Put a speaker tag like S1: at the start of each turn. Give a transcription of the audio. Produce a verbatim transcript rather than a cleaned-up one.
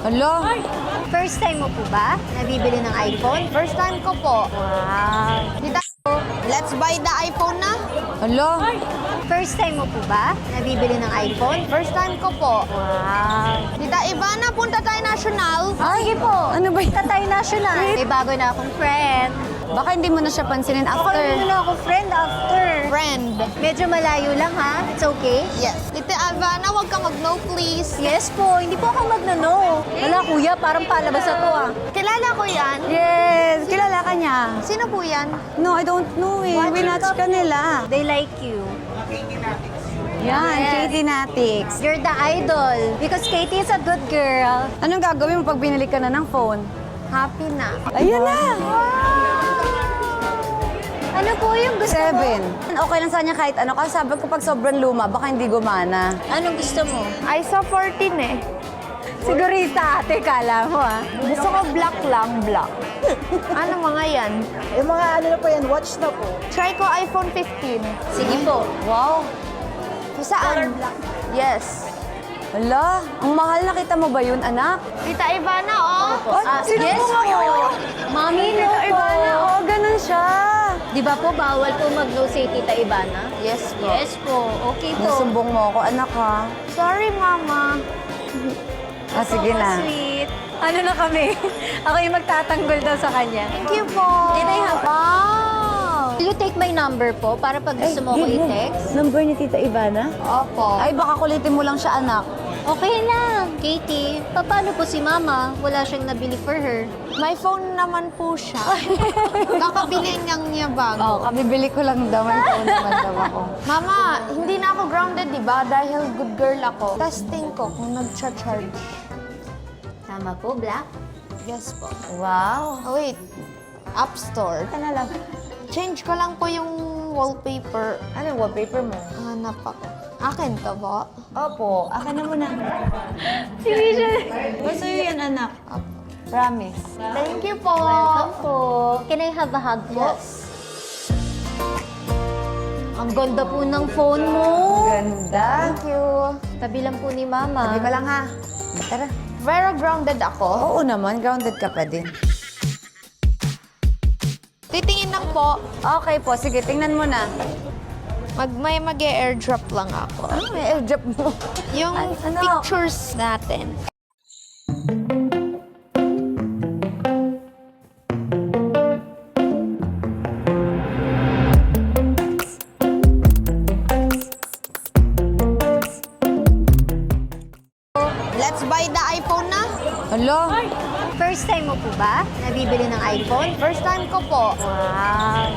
S1: Hala,
S2: First time mo po ba nabibili ng iPhone?
S3: First time ko po.
S2: Wow.
S3: Tita, let's buy the iPhone na.
S1: hala.
S2: First time mo po ba nabibili ng iPhone?
S3: First time ko po.
S2: Wow.
S3: Tita Ivana, punta tayo national.
S2: Sige po.
S1: Ano ba yun?
S2: Tatay national. May bago na akong friend.
S1: Baka hindi mo na siya pansinin
S2: Ako
S1: after.
S2: hindi na ako friend after.
S3: Friend.
S2: Medyo malayo lang ha. It's okay?
S3: Yes. Tita Ivana, huwag ka mag-no please.
S2: Yes po. Hindi po ako magno-no. Wala kuya, parang palabas na to ah.
S3: Kilala ko yan.
S1: Yes, kilala ka niya.
S3: Sino po yan?
S1: No, I don't know eh. Winatch ka nila.
S2: They like you.
S1: Yan,
S2: Yes.
S1: Katie Natix.
S2: You're the idol. Because Katie is a good girl.
S1: Anong gagawin mo pag binili ka na ng phone?
S2: Happy na.
S1: Ayun na!
S2: Ano po yung gusto
S1: Seven.
S2: mo?
S1: Okay lang sa kanya kahit ano. Kasi sabi ko pag sobrang luma, baka hindi gumana.
S2: Anong gusto mo?
S3: I saw fourteen eh.
S2: Sigurista ate, kala mo ah.
S3: Gusto ko black lang, black. Ano mga yan?
S4: Yung mga ano na po yan, watch na po.
S3: Try ko iPhone fifteen.
S2: Sige po.
S1: Wow!
S3: Saan? Yes.
S1: Hala, ang mahal. Nakita mo ba yun, anak?
S3: Tita Ivana, oh.
S2: Ah,
S1: sino
S2: yes
S1: po?
S2: po. Mami, no po.
S1: Ivana, oh, ganun siya.
S2: Di ba po, bawal po mag-no say Tita Ivana?
S3: Yes po.
S2: Yes po. Okay po.
S1: Nasumbong mo ako, anak ha.
S3: Sorry, Mama.
S1: Ah, sige
S2: So
S1: na.
S2: sweet. Ano na kami? Ako yung magtatanggol daw sa kanya.
S3: Thank you po.
S2: Can I have...
S3: Wow.
S2: Will you take my number po para pag gusto mo ko i-text?
S1: Number ni Tita Ivana?
S3: Opo.
S1: Ay, baka kulitin mo lang siya, anak.
S2: Okay lang. Katie, paano po si Mama? Wala siyang nabili for her.
S3: May phone naman po siya. Kakabili niyang niya bago.
S1: Oh, kabibili ko lang daw. May phone naman daw ako.
S3: Mama, hindi na ako grounded, di ba? Dahil good girl ako. Testing ko kung nag-charge.
S2: Tama po, Black?
S3: Yes po.
S1: Wow.
S3: Oh, wait. App Store.
S1: Ka na lang.
S3: Change ko lang po yung wallpaper.
S1: Ano wallpaper mo?
S3: Hanap ako. Akin to po.
S1: Opo, akin na muna.
S2: Sige siya.
S1: Basta yun, anak. Promise.
S3: Thank you po.
S2: Welcome po. Can I have a hug po?
S3: Yes.
S2: Ang ganda po ng phone mo.
S1: Ganda.
S3: Thank you.
S2: Tabi lang po ni Mama.
S1: Sabi ka lang ha. Tara.
S3: Very grounded ako.
S1: Oo naman, grounded ka pa din.
S3: Titingin lang po.
S1: Okay po, sige, tingnan mo na.
S3: Mag, may mag-airdrop lang ako.
S1: Ano may airdrop mo?
S3: Yung
S1: Ay, ano?
S3: pictures natin. Let's buy the iPhone na.
S1: Hala,
S2: First time mo po ba nabibili ng iPhone?
S3: First time ko po.
S2: Wow.